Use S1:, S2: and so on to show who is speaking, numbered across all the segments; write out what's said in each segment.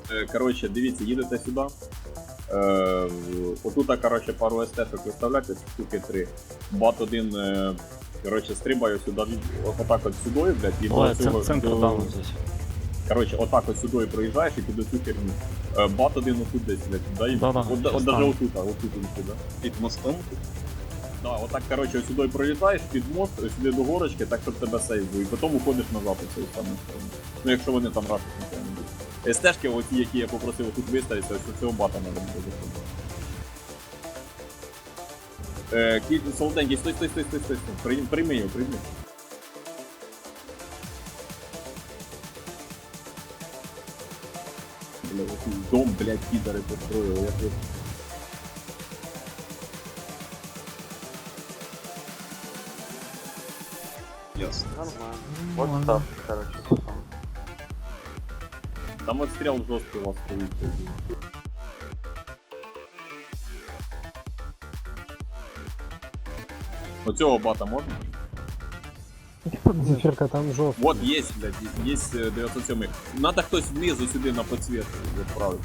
S1: Коротше, дивіться, їдете сюди. Отут, коротше, пару СТ-шок виставляйте, штуки 3. Бат один, коротше, стрибаю сюди, отак от сюди, блядь, і
S2: Ой,
S1: до цього...
S2: центр даун здесь.
S1: Коротше, отак от сюди проїжджаєш і під оцю херню. Бат один отут десь, блядь, да?
S2: Да-да,
S1: От
S2: щас
S1: даже
S2: там.
S1: отут, він сюди.
S3: Під мостом?
S1: Да, отак, коротше, сюди пролітаєш під мост, сюди до горочки, так, щоб тебе сейву, і потім уходиш назад у цю саму сторону. Ну, якщо вони там рашать нічого не будуть. Стежки, оті, які я попросив тут виставитися, ось цього бата треба буде заходити. Кіт, солоденький, стой. Прийми його. Бля, якийсь дом, блядь, підари построїли, я тут...
S3: Ясно.
S4: Нормально. Вот так, короче, потом.
S1: Там отстрел жорсткий у вас стоїть. Оцього бата можна?
S5: Зефирка там жовтий.
S1: Вот есть, блядь, есть 907. Надо хтось внизу сюди на подсветку відправити.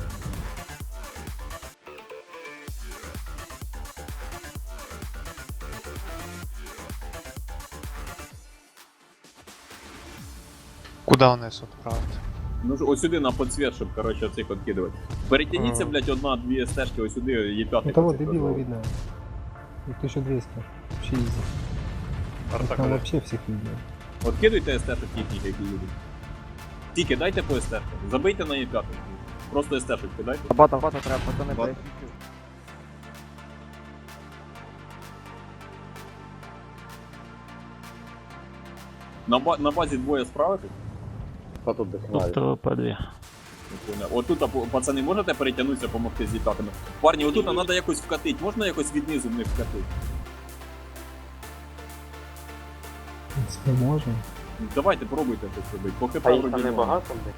S6: Куда вниз отправити?
S1: Ну ось сюди на подсвет, щоб, короче, оцих откидувати. Перетяніться, блядь, одна-дві стежки, ось сюди, є п'ятий.
S5: Это вот дебила видно. 1200. Вообще изи. Там вообще всех видно.
S1: Откидуйте естетик їхніх, які їдуть. Тільки дайте по естетику. Забийте на Є5. Просто естетик кидайте.
S4: Бата треба, пацаны,
S3: Бат.
S4: блядь.
S1: На базі двоє справитись?
S3: А тут дохнали.
S2: Тут ТВП-2.
S1: Отут, пацани, можете перетягнутися, допомогти з Є5? Парні, отут треба якось вкатити. Можна якось віднизу в них вкатити?
S5: В принципе, можно.
S1: Давайте, пробуйте щось робити. По ХП
S4: А їх
S1: вроді
S4: там
S1: норм.
S4: небагато, блядь.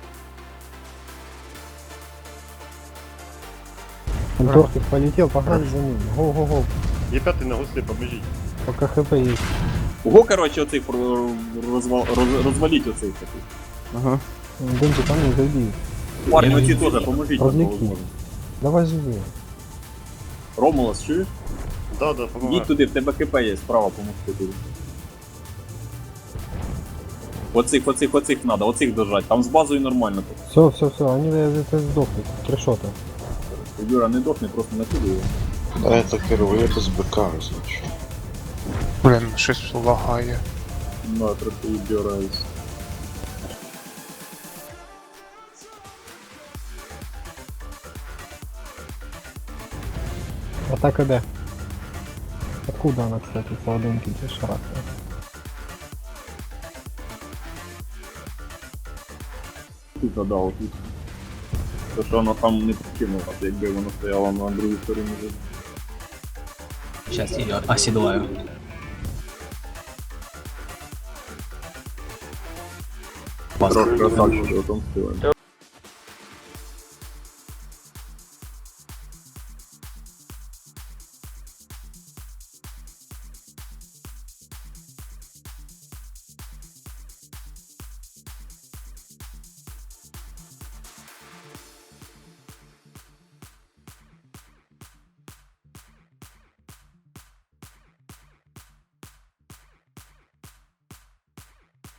S5: Антохтик полетел, погнали за ним. Го-го-го.
S3: Є п'ятий на гуслі, побіжіть.
S5: Пока хп есть.
S1: Ого, короче, оцих розваліть оцих таких.
S4: Ага.
S5: Денчик, там не зайди.
S1: Парні, оці теж, поможіть.
S5: Розвлеки. Давай живи.
S1: Ромулас, чуєш?
S3: Да,
S1: Йдіть
S3: помагаю.
S1: туди, в тебе ХП є, справа помогти туди. Оцих надо, оцих держать, там з базою нормально.
S5: Все, они это сдохнут. Трешота.
S1: Юра, не дохне, просто накидай його.
S7: Да, это впервые это с БК, значит.
S6: Блін, щось лагає.
S1: На, трохи відбираюсь.
S5: Атака Д. Откуда она, кстати, солоденький для шарака?
S1: Тут, да, отут. То, що воно там не прикинуло, якби воно стояло на другій стороні.
S8: Сейчас ее оседлаю.
S1: Красавчик, потом співаємо.